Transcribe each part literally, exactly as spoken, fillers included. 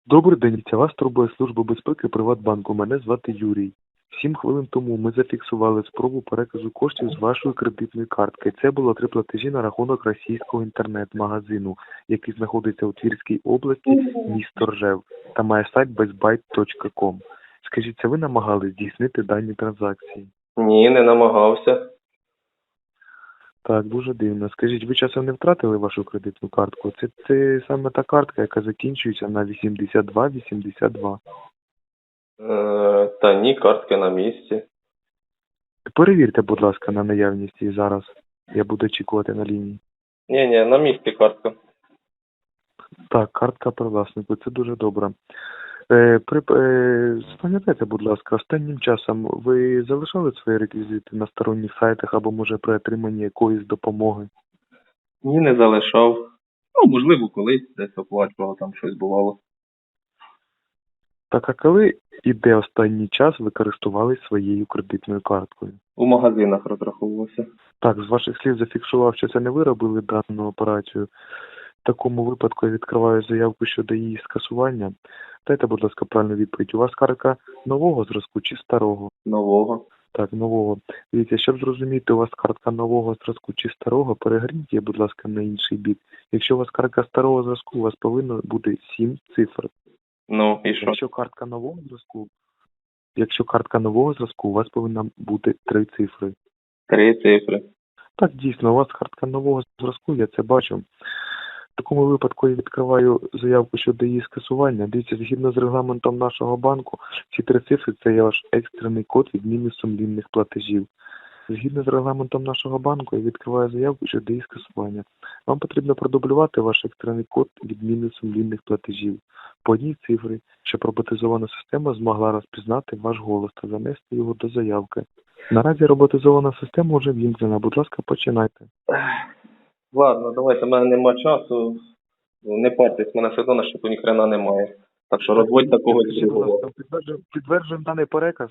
Добрий день, це вас турбує Служба безпеки Приватбанку. Мене звати Юрій. Сім хвилин тому ми зафіксували спробу переказу коштів з вашої кредитної картки. Це було три платежі на рахунок російського інтернет-магазину, який знаходиться у Тверській області, місто Ржев, та має сайт безбайт точка ком. Скажіть, це ви намагались здійснити дані транзакції? Ні, не намагався. Так, дуже дивно. Скажіть, ви часом не втратили вашу кредитну картку? Це, це саме та картка, яка закінчується на вісімдесят два вісімдесят два. Е, та ні, картки на місці. Перевірте, будь ласка, на наявність її зараз. Я буду очікувати на лінії. Ні, ні, на місці картка. Так, картка привласнику, це дуже добре. Е, при, е, Спам'ятайте, будь ласка, останнім часом ви залишали свої реквізити на сторонніх сайтах або, може, при отриманні якоїсь допомоги? Ні, не залишав. Ну, можливо, колись десь оплачував, там щось бувало. Так, а коли і де останній час ви користувались своєю кредитною карткою? У магазинах розраховувався. Так, з ваших слів зафіксував, що це не ви робили дану операцію. В такому випадку я відкриваю заявку щодо її скасування. Дайте, будь ласка, правильну відповідь. У вас картка нового зразку чи старого? Нового. Так, нового. Дивіться, щоб зрозуміти, у вас картка нового зразку чи старого, перегорніть її, будь ласка, на інший бік. Якщо у вас картка старого зразку, у вас повинно бути сім цифр. Ну, і що? Якщо картка нового зразку, якщо картка нового зразку, у вас повинна бути три цифри. Три цифри. Так, дійсно, у вас картка нового зразку, я це бачу. В такому випадку я відкриваю заявку щодо її скасування. Дивіться, згідно з регламентом нашого банку, ці три цифри – це є ваш екстрений код відміни сумлінних платежів. Згідно з регламентом нашого банку, я відкриваю заявку щодо її скасування. Вам потрібно продублювати ваш екстрений код відміни сумлінних платежів по одній цифрі, щоб роботизована система змогла розпізнати ваш голос та занести його до заявки. Наразі роботизована система вже вімкнена. Будь ласка, починайте. Ладно, давайте, в мене нема часу. Не партесь, в мене все одно на щиту ніхрена немає. Так що розводьте когось Скажіть, будь другого. ласка, підтверджуємо, підтверджуємо даний переказ.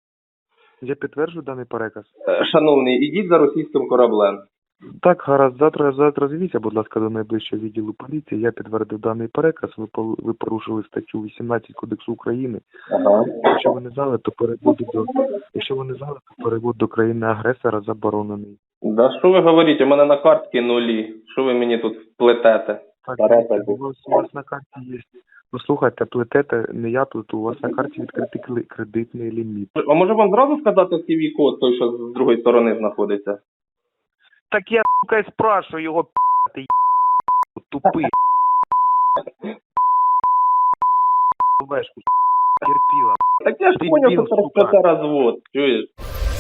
Я підтверджую даний переказ. Е, Шановний, ідіть за російським кораблем. Так, гаразд, завтра, завтра звіться, будь ласка, до найближчого відділу поліції. Я підтвердив даний переказ. Ви, пол- ви порушили статтю вісімнадцять Кодексу України. Ага. Якщо ви не знали, то перевод до якщо ви не знали, то перевод до країни-агресора заборонений. Да що ви говорите, у мене на картці нулі. Що ви мені тут плетете? Так, Тараса, дивіться, у вас, у вас на карті є. Ну слухайте, плетете, не я тут, у вас на карті відкритий кли- кредитний ліміт. А може вам зразу сказати сі ві-код, той, що з другої сторони знаходиться? Так я, сука, і спрашиваю його, ти тупий. Вешку, терпіла. Так я ж Ти поняв, дебіл, що це сука. розвод, чуєш?